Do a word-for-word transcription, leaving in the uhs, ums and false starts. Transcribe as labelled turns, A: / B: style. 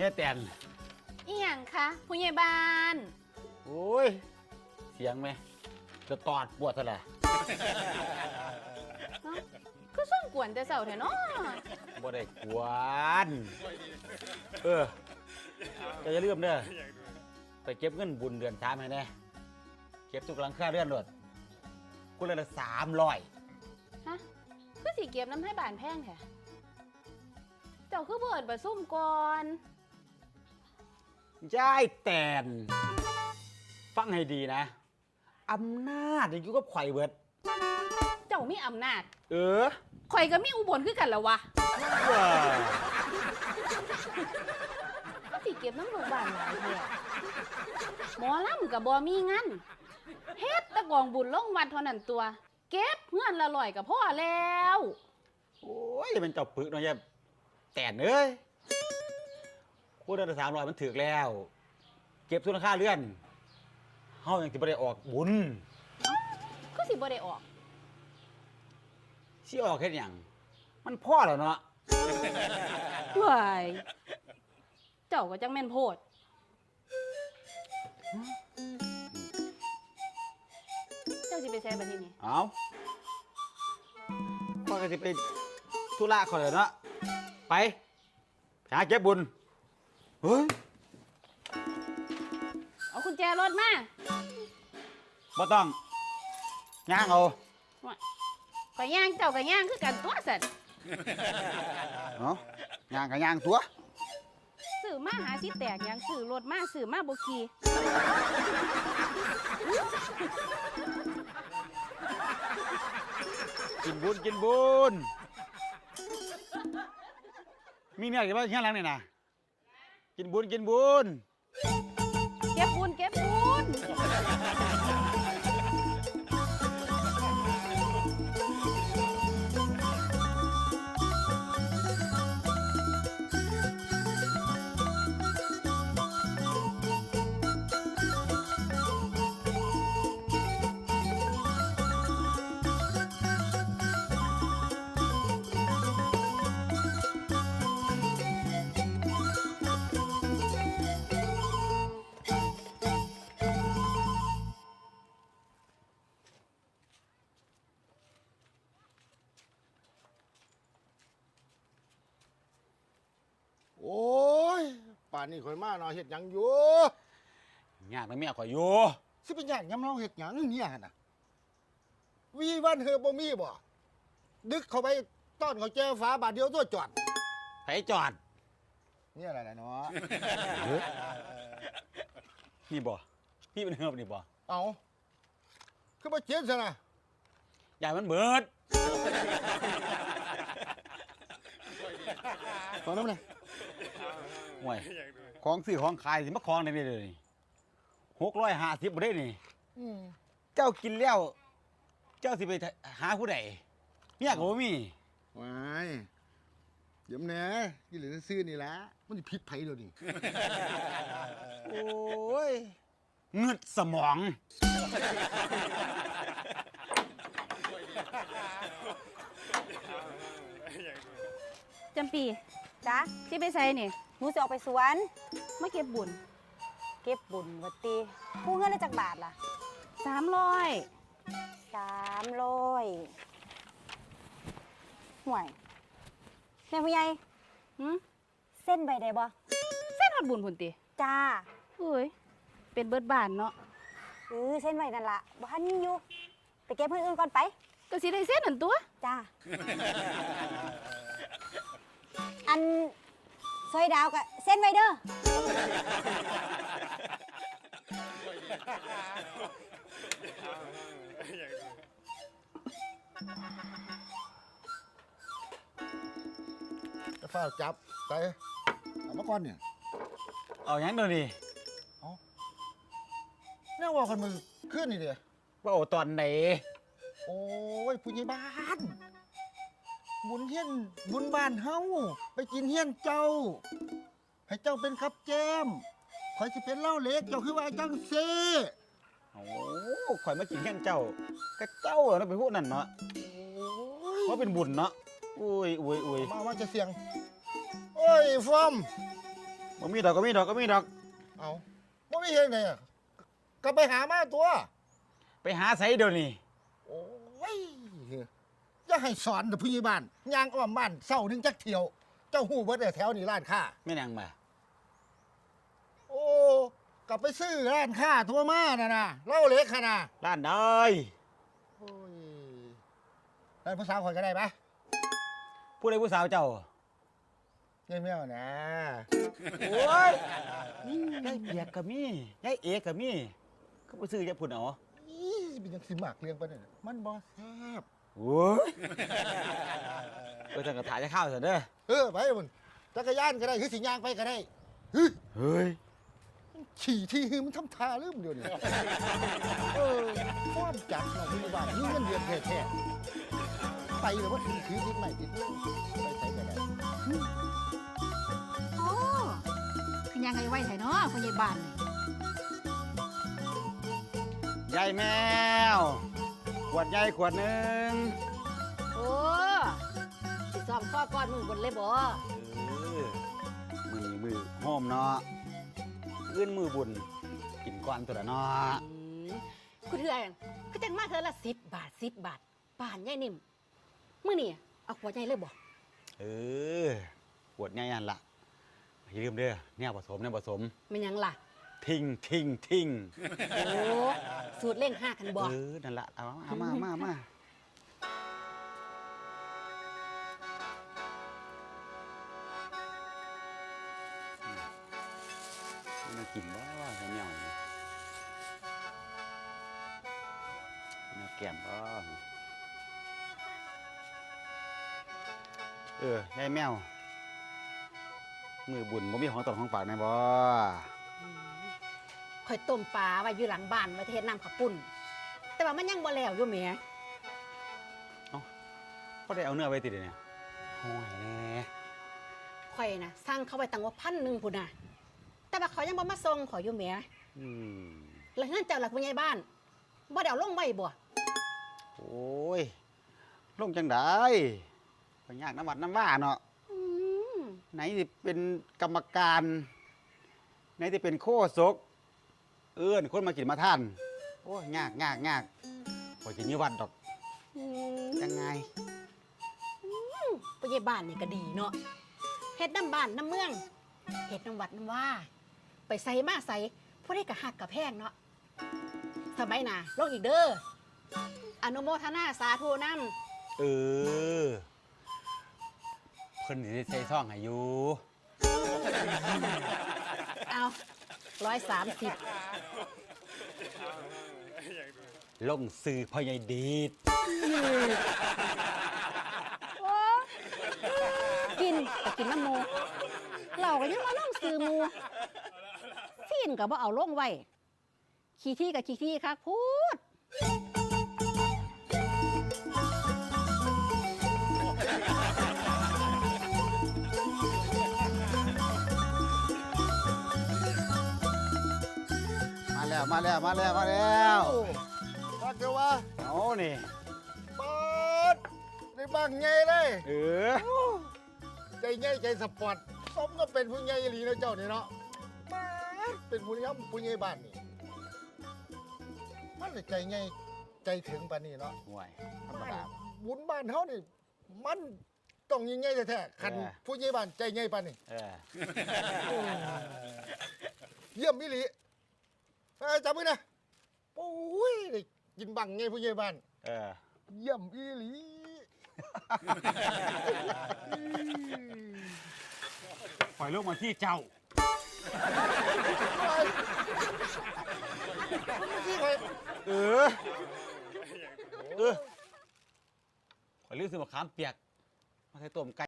A: ฮียแตน
B: อีหยังคะผู้ใหญ่บ้าน
A: โอ้ยเสียงไหมจะตอดปวดซะแหละ
B: ก็ส่งกวนแต่เสาร์แท้เนาะ
A: บ่ได้กวนเออจะอย่าลืมเด้อไปเก็บเงินบุญเดือนสามให้แน่เก็บทุกหลังค่าเรือนรถกูเลยละสามร้อย
B: ฮะคือสิเก็บน้ำให้บ้านแพงแท้เจ้าคือเบิดบ่ซุ่มก่อน
A: ยายแตนฟังให้ดีนะอำนาจอยู่กับข่อยเบิด
B: เจ้ามีอำนาจ
A: เออ
B: ข่อยก็มีอุบลคือกันแล้ววะ
A: ว้า
B: ก็สิเก็บน้ำลูกบ้านหลายแท้หมอลำกับบ่มีงานเฮ็ดแตะกองบุญลงวัดเท่านั้นตัว เก็บเงินละร้อยก็พอแล้ว
A: โอ้ยมันเจ้าปึกเนาะยายแตนเอ้ยกูเดือนละสามร้อยมันถึกแล้ว เก็บทุนค่าเรือนเฮายังสิบ่ได้ออกบุญ
B: ก็สิบ่ได้ออก
A: สิออกเฮ็ดหยังมันพ่อแล้วเนาะ
B: เฮ้ยเจ้าก็จังแม่นโพดเจ้าสิไปใช้บัดนี้นี่
A: เอาพ่อก็สิไปธุระเขาเลยเนาะไปหาเก็บบุญเฮ้ย
B: เอากุญแจรถมา
A: บ่ต้องย่างเอา
B: ก็ย่างเจ้าก็ย่างคือกันตัวสัตว์
A: เนาะย่างก็ย่างตัว
B: สื่อมาหาสิแตกหยังสื่อรถมาสื่อมาบ่ขี่
A: กินบุญกินบุญมีเนี่ยกี่บ้านข้างหลังนี่นะกินบุญกินบุญ
B: เก็บบุญเก็บบุญ
C: โอ้ยป่านนี้ข่อยมาเนาะเฮ็ดหยังอยู่
A: งานมันไม่เอาข่อยอยู่
C: สิเป็นหยังยำเราเฮ็ดหยังเนี่ยหั่นน่ะวีวันเฮอบ่มีบ่ดึกเข้าไปต้อนเขาแจ้ฟ้าบาทเดียวตัวจอด
A: ไปจอด
C: นี่อะไรล่ะเนาะ
A: นี่บ่พี่เป็นเฮือบนี่บ่
C: เอาคือบ่เจ็บซะนะ
A: ใหญ่มันเบิด
C: ตอนนั้นน่ะ
A: ห่วยของซื้อของขายสิมาของได้เลยหกร้อยห้าสิบบ่ได้นี่
C: อืม
A: เจ้ากินแล้ว เจ้าสิไปหาผู้ใดเนี่ยก็บ่มี
C: ว้ายเดี๋ยวแหน่ที่เหลือซื้อนี่ละมันสิผิดไผเดี๋ยวนี้
A: โอ้ยเงืดสมอง
B: จำปี
D: จ้ะ
B: สิไปใส่นี่
D: หนูจะออกไปสวน
B: มาเก็บบุญ
D: เก็บบุญวัดตีกู้เงินได้จากบาทล่ะ
B: สามร้อย
D: สามร้อยห่วยแม่ผู้ใหญ่
B: หืม
D: เส้นใบได้บ่
B: เส้นฮอดบุญพุ่นติ
D: จ้า
B: เอ้ยเป็นเบิดบ้านเนาะ
D: เออเส้นใบนั่นล่ะบ่ทันมีอยู่ไปเก็บเพื่อนอื่นก่อนไป
B: ก็สิได้เส้นนั่นตัว
D: จ้า อันซอยดาวกับเส้นไวเดอร์
C: จะฟ้าจับไปเอามาก่อนเนี่ย
A: เอาหยังเดี๋ยวนี้
C: แน่ว่าคนมึงขึ้นนี่เด้อ
A: ว่าเอาตอนไหน
C: โอ้ยผู้ใหญ่บ้านบุญเฮียนบุญบ้านเฮาไปกินเฮียนเจ้า ให้เจ้าเป็นครับแจมคอยสิเป็นเล่าเล็กเจ้าคือว่าจังเซ่
A: โอ้ข่อยมากินแค่เจ้าก็เจ้าเนาะเป็นพวกนั้นเนาะ
C: โอ้ย
A: เพราะเป็นบุญเนาะอุ้ยอุ้ยอุ้ย
C: มาว่าจะเสียงโอ้ยฟอม
A: บ่มีดอกก็มีดอกก็มีดอก
C: เอาบ่มีเฮ็ดไงอะก็ไปหามาตัว
A: ไปหาไสเดี๋ยวนี้
C: โอ้ยอย่าให้สอนเด้อผู้ใหญ่บ้านย่างอ้อมบ้านเศร้าหนึงจักเที่ยว เจ้าฮู้เบิดแต่แถวนี้ร้านค้า
A: แม่นหยังมา
C: โอ้กลับไปซื้อร้านค้าทั่วมาน่ะนะเล่าเล็กขนาด
A: ร้านใด
C: โอ้ยร้านผู้สาวข่อยก็ได้ปะ
A: ผู้ใดผู้สาวเจ้า
C: เงี้ยเมี่ยวๆนะ
A: โอ้ยยายเปียกก็มียายเอกก็มีก็ไปซื้อจะพุ่นเอา
C: อีเป็นยังสิหมากเลี้ยงปะเนี่ยมันบ่แซ่บ
A: โอ้ยไปทางกระถาจะเข้าวซะเด้อ
C: เออไปมันจักรยานก็ได้คือสิย่างไปก็ได้เฮ้ย
A: เฮ้ย
C: ขี่ที่หือมันทำท่าลืมเดียวนี่เออความจัดเราผู้ใหญ่บ้านนี่เงินเดือนแท้ๆไปเลยว่าถือถือติดใหม่ติดมือไปใส่ก็ได้
E: โอ้คือยังไงไหวไถเนาะพ่อใหญ่บ้านนี่
A: ยายแมว ขวดใหญ่ขวดหนึ่ง
D: โอ้สิซ้อมข้อก้อนมือบนเลยบ่
A: เออมือมือหอมเนาะอื่นมือบุญกินก่อนตัวละเนาะ
D: อืมคุณเถื่อนก็จังมาเธอละสิบบาทสิบบาทป่านใหญ่นิ่มมื้อนี่เอาขวดใหญ่เลยบ่
A: เออขวดใหญ่ยันละอย่าลืมเด้อเนี่ยผสมเนี่ยผสม
D: มันหยังล่ะ
A: ทิ้งทิ้งทิ้ง
D: โอ้สูตรเล่งห้ากันบ่
A: เออนั่นละเอามามามามามากินบ่จะเหนียวนี่มาแก้มบ่เออยายแมว มือบุญบ่มีของตนของฝากแน่บ่
D: ข่อยต้มปลาไว้อยู่หลังบ้านไว้เทศน้ำข้าวปุ้น แต่ว่ามันยังบ่แล้วอยู่แหม
A: ก็ได้เอาเนื้อไว้ติดเนี่ยห่อยแน่
D: ข่อยน่ะสั่งเขาไว้ตั้งว่าพันหนึ่งพุ่นน่ะ แต่ว่าเขายังบ่มาส่งข่อยอยู่แหม
A: อืม
D: แล้วเฮือนเจ้าหลักผู้ใหญ่บ้านบ่ได้เอาลงไว้บ่
A: โอ้ยลงจังได้ไปยากน้ำวัดน้ำว่าเนาะ
D: อืม
A: ไหนที่เป็นกรรมการ ไหนที่เป็นโคศก เอื้อนคนมากินมาท่าน โอ้ยยากยากยากพอกินอยี่วัดดอก
D: อืม
A: ยังไง
D: ผู้ใหญ่บ้านนี่ก็ดีเนาะเฮ็ดน้ำบ้านน้ำเมืองเฮ็ดน้ำวัดน้ำว่า ไปใส่มาใส่ผู้ใดก็หักกับแพงเนาะสมัยหน้าลงอีกเด้ออนุโมทนาสาธุนำ
A: เออ เพิ่นสิได้ใส่ซ่องให้อยู่
D: เอาร้อยสามสิบ
A: ลงซื้อพ่อใหญ่ดีด
D: กินก็กินน้ำหมูเราก็ยังมาล่องซื้อหมูซีนก็บ่เอาลงไว้ขี้ที่กับขี้ที่คักพูด
A: มาแล้วมาแล้วมาแล้วมาแล้ว
C: รักเดียววะ
A: เอานี่
C: เปิดในบ้างไงเลย
A: เออ
C: ใจใหญ่ใจสปอร์ตสมก็เป็นผู้ใหญ่อีหลีนะเจ้านี่เนาะเปิดเป็นผู้ใหญ่ผู้ใหญ่บ้านนี่มันเลยใจใหญ่ใจถึงปานนี้เนาะ
A: ห่วยธรรมดา
C: บุญบ้านเฮานี่มันต้องยิ่งใหญ่แท้ๆคัน
A: เออ
C: ผู้ใหญ่บ้านใจใหญ่ปานนี้
A: เออ
C: เยี่ยมมิลิเอ้ยจับมือนะโอ้ยได้กินบังไงผู้ใหญ่บ้าน
A: เออ
C: เยี่ยมอีหลี
A: ปล่อยลูกมาที่เจ้า
C: ที่ใคร
A: เออ เออปล่อยลูกซื้อมะขามเปียก มาใส่ต้มไก่